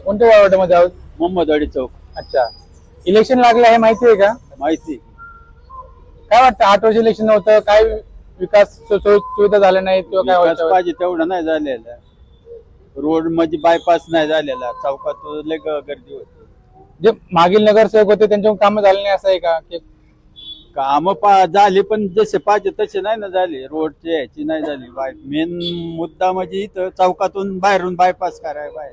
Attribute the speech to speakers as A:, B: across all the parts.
A: कोणत्या वॉर्डमध्ये आहोत?
B: मोहम्मदवाडी चौक.
A: अच्छा, इलेक्शन लागलं आहे माहिती आहे का?
B: माहिती.
A: काय वाटतं 8 वर्ष इलेक्शन नव्हतं, काय विकास सुविधा झाल्या नाहीत किंवा काय
B: विकास
A: व्हायचं?
B: पाहिजे तेवढं नाही झालेलं. रोड मध्ये बायपास नाही झालेला, चौकात लय गर्दी होती.
A: जे मागील नगरसेवक होते त्यांच्याकडून कामं झाले नाही असं आहे का? की
B: काम झाली पण जसे पाहिजे तसे नाही ना झाले. रोडची ह्याची नाही झाली. मेन मुद्दा म्हणजे इथं चौकातून बाहेरून बायपास करायला बाहेर.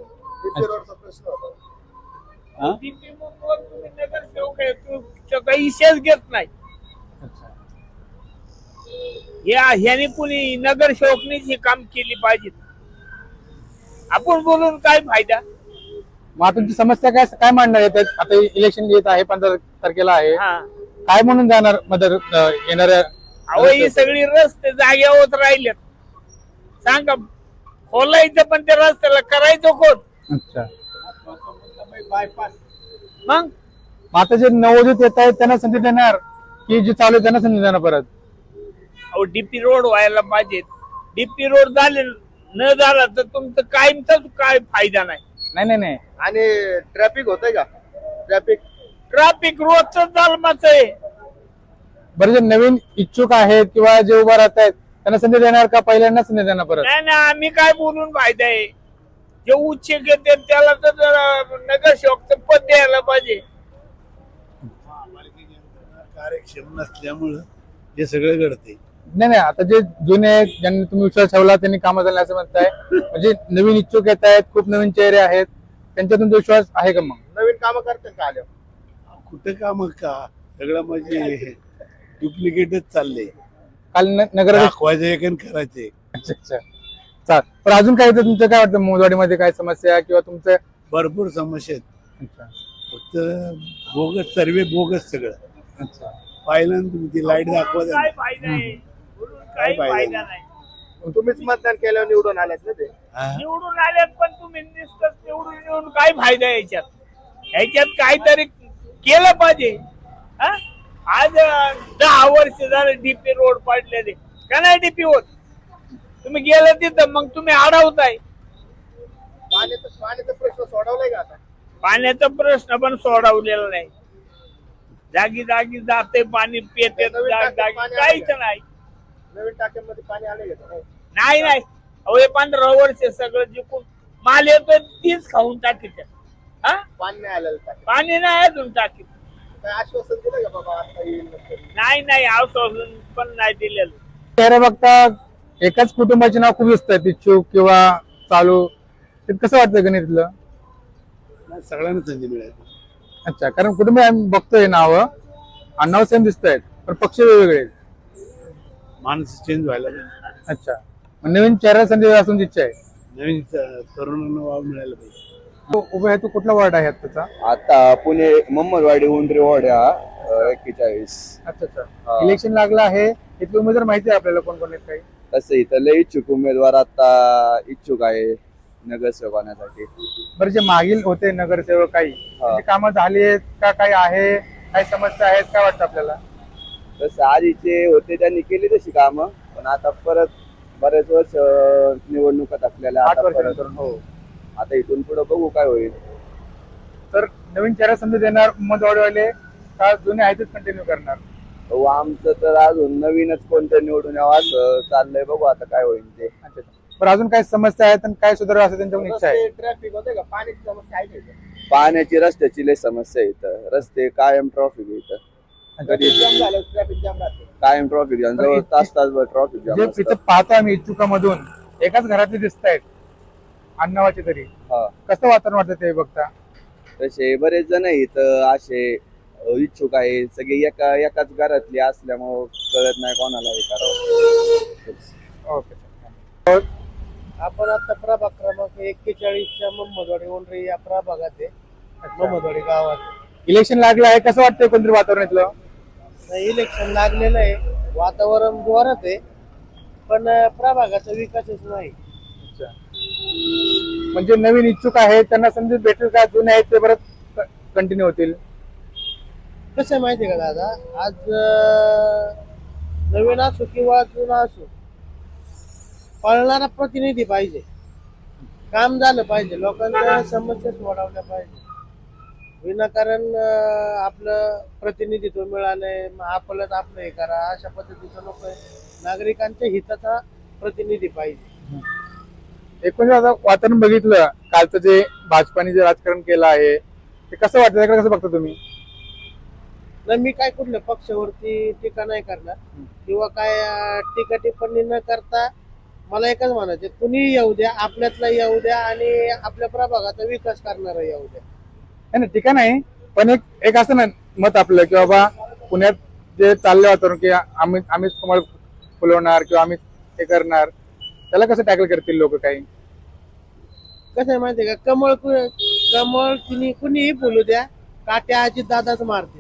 B: हा?
C: नगरसेवक आहे, तू काही विषयच घेत नाही. ह्याने कुणी नगरसेवकनीच हे काम केली पाहिजे. आपण बोलून काय फायदा?
A: मग आता तुमची समस्या काय काय मांडणार आहे त्यात? आता इलेक्शन येत आहे 15 तारखेला आहे,
C: हा,
A: काय म्हणून जाणार मदर येणाऱ्या?
C: अहो ही सगळी रस्ते जाग्यावर राहिलेत. सांगा, खोलायचं पण त्या रस्त्याला करायचं कोण?
A: अच्छा,
B: बायपास.
C: मग
A: आता जे नवोदित येत आहेत त्यांना संधी देणार की जे चालू आहे त्यांना संधी देणार परत?
C: अहो डीपी रोड व्हायला पाहिजेत. डीपी रोड झाले न झाला तर तुमचं कायमचाच काय फायदा नाही.
A: नाही नाही नाही,
D: आणि ट्रॅफिक होतंय का?
C: ट्रॅफिक रोजच जालमाच आहे.
A: बरं, जे नवीन इच्छुक आहेत किंवा जे उभा राहत आहेत त्यांना संधी देणार का पहिल्यांदा संधी देणार परत?
C: नाही ना, आम्ही काय बोलून फायदा आहे? जे उच्च घेते त्याला तर नगरसेवकचं पद द्यायला पाहिजे.
E: कार्यक्षम नसल्यामुळं हे सगळं घडते.
A: नाही नाही, आता जे जुने आहेत ज्यांनी तुम्ही विश्वास ठेवला त्यांनी कामं झाले असं म्हणताय, म्हणजे नवीन इच्छुक येत आहेत, खूप नवीन चेहरे आहेत, त्यांच्यातून तो विश्वास आहे का? मग
D: नवीन कामं करतात का आल्या?
E: कुठं काम का सगळं म्हणजे डुप्लिकेटच चाललंय.
A: काल नगर
E: दाखवायचं एक आणि करायचे.
A: अच्छा अच्छा, चाल. पण अजून काय येतं तुमचं? काय वाटतं मोदवाडीमध्ये काय समस्या किंवा तुमचं?
E: भरपूर समस्या आहेत.
A: अच्छा
E: फक्त बोगस सर्वे बोगस सगळं.
A: अच्छा,
E: पाहिलं ना तुम्ही ती लाईट दाखवत
C: काय फायदा आहे? बोलून काही
E: काय फायदा
C: फायदा नाही.
D: तुम्हीच मतदान केल्यावर निवडून आलात ना ते.
C: निवडून आल्यात पण तुम्ही नुसतं निवडून येऊन काय फायदा आहे याच्यात? ह्याच्यात काहीतरी केलं पाहिजे. हा? आज 10 वर्ष झालं डीपी रोड पाडलेले का नाही डीपी होत? तुम्ही गेलं तिथं मग तुम्ही अडवताय.
D: पाण्याचा प्रश्न सोडवलाय का आता?
C: पाण्याचा प्रश्न पण सोडवलेला नाही. जागी जागी जाते पाणी पेते, जागी काहीच नाही.
D: नवीन टाक्यांमध्ये पाणी आले का?
C: नाही नाही, अहो हे 15 वर्ष सगळं जिंकून माल येतो तीच खाऊन टाकीत. हा,
D: पाणी नाही आलेलं टाक्यात.
C: पाणी नाही अजून टाकीत.
D: काय आश्वासन दिलं का बाबा आता येईल नंतर?
C: नाही आश्वासन पण नाही दिलेलं.
A: चेहरा बघता एकाच कुटुंबाचे नाव खूप दिसतात, इच्छुक किंवा चालू. ते कसं वाटतं गणितलं?
E: सगळ्यांना संधी मिळाली.
A: अच्छा, कारण कुटुंब आम्ही बघतोय नाव आणि नाव सेम दिसत आहेत पण पक्ष वेगवेगळे आहेत.
E: माणूस चेंज व्हायला पाहिजे.
A: अच्छा, मग नवीन चेहरा संधी असून इच्छा आहे.
E: नवीन तरुणांना वाव मिळायला पाहिजे.
A: उभे आहे तो कुठला वार्ड आहे त्याचा?
F: आता पुणे मोहम्मदवाडी उंडरी वार्ड हा 41.
A: अच्छा अच्छा, इलेक्शन लागलं आहे, इथले उमेदवार माहिती आहे आपल्याला कोण कोण आहेत काही?
F: तसं इथं लय इच्छुक उमेदवार आता इच्छुक आहे नगरसेवक होण्यासाठी.
A: बरं, जे मागील होते नगरसेवक काही त्यांची कामं झाली आहेत का? काही आहे, काही समस्या आहेत काय वाटतं आपल्याला?
F: तसं आधीचे होते त्यांनी केली तशी कामं, पण आता परत बरेच वर्ष निवडणुकात आपल्याला
A: 8
F: आता
A: वर्ष
F: परत-
A: नंतर.
F: हो, आता इथून पुढे बघू काय होईल.
A: तर नवीन चेहरा संधी देणार उमेदवारवाले का जुने आहेतच कंटिन्यू करणार?
F: हो, आमचं तर अजून नवीनच कोणतं निवडून यावं असं चाललंय, बघू आता काय होईल ते.
A: अच्छा, बरं, अजून काय समस्या आहेत आणि काय सुधारणा असं त्यांच्याकडून इच्छा आहे?
D: ट्रॅफिक होते का? पाण्याची समस्या आहे का?
F: पाण्याची रस्त्याची लय समस्या आहे इथं. रस्ते कायम ट्रॉफिक आहे इथं. कधी
D: जाम झालं, ट्रॅफिक जाम राहते.
F: कायम ट्रॉफिक जाम, जवळ तासभर ट्रॉफिक जाम
A: जे
F: असतं.
A: इथं पाहतो आम्ही इच्छुकामधून एकाच घरातले दिसत आहेत अण्णावाचे तरी.
F: हा,
A: कसं वातावरण वाटतं ते बघता?
F: तसे बरेच जण इथं असे इच्छुक आहे, सगळे एकाच घरातले असल्यामुळं कळत नाही कोणाला हे करावं.
A: ओके.
D: आपण आता प्रभाग क्रमांक 41च्या मोहम्मदवाडी उंडरी या प्रभागात आहे. मोहम्मदवाडी गावात
A: इलेक्शन लागलं आहे, कसं वाटतंय कोणतरी वातावरण इथलं?
D: इलेक्शन लागलेलं आहे. वातावरण जोरात आहे, पण प्रभागाचा विकासच नाही.
A: अच्छा, म्हणजे नवीन इच्छुक आहेत त्यांना संधी भेटेल का? जुने आहेत ते परत कंटिन्यू होतील?
D: कसं माहितीये का दादा, आज नवीन असो किंवा जुना असो, पळणारा प्रतिनिधी पाहिजे. काम झालं पाहिजे, लोकांच्या समस्या सोडवल्या पाहिजे. विनाकारण आपलं प्रतिनिधित्व मिळालंय, मग आपलं हे करा, अशा पद्धतीचं नको आहे. नागरिकांच्या हिताचा प्रतिनिधी पाहिजे.
A: एकूण आता वातावरण बघितलं कालचं जे भाजपाने जे राजकारण केलं आहे ते कसं वाटतं, त्याकडे कसं बघता तुम्ही?
D: नाही, मी काय कुठल्या पक्षावरती टीका नाही करणार किंवा काय टीका टिप्पणी न करता मला एकच म्हणायचं, कुणी येऊ द्या, आपल्यातला येऊ द्या आणि आपल्या प्रभागाचा विकास करणारा येऊ द्या.
A: नाही टीका नाही, पण एक असं ना मत आपलं की बाबा पुण्यात जे चाललं वातावरण की आम्हीच कमळ फुलवणार किंवा आम्ही हे करणार, त्याला कसं टॅकल करतील लोक काही?
D: कसं आहे माहितीये का, कमळ कुणीही बोलू द्या, काट्या अजित दादाच मारते.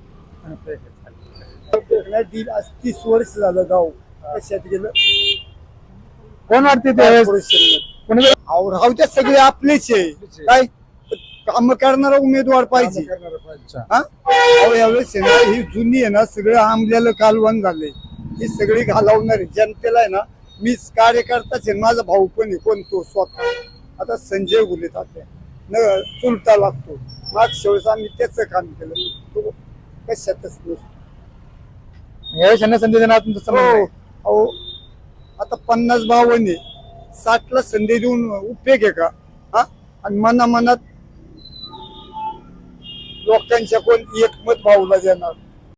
E: 30 वर्ष झालं गाव कशात गेलं.
A: कोण वाटते ते कोणी
E: राहत्या सगळे आपलेच आहे, काय काम करणारा उमेदवार पाहिजे. हा? अहो, यावेळेस आहे ना, ही जुनी आहे ना, सगळं आंबल्याला कालवण झालंय, ही सगळी घालवणार आहे जनतेला. आहे ना, मीच कार्यकर्ताच आहे, माझा भाऊ पण आहे, कोण तो स्वतः. आता संजय गुले तात्या न चुलता लागतो, मागच्या वेळेस आम्ही त्याचं काम केलं, तो कशातच नसतो.
A: यावेळेस यांना संधी देणार तुमचं समज
E: हो.
A: नाही?
E: अहो, आता 50-52 आहे, 60ला संधी देऊन उपयोग आहे का? हा? आणि मनात लोकांच्या कोण एकमत भाऊला देणार?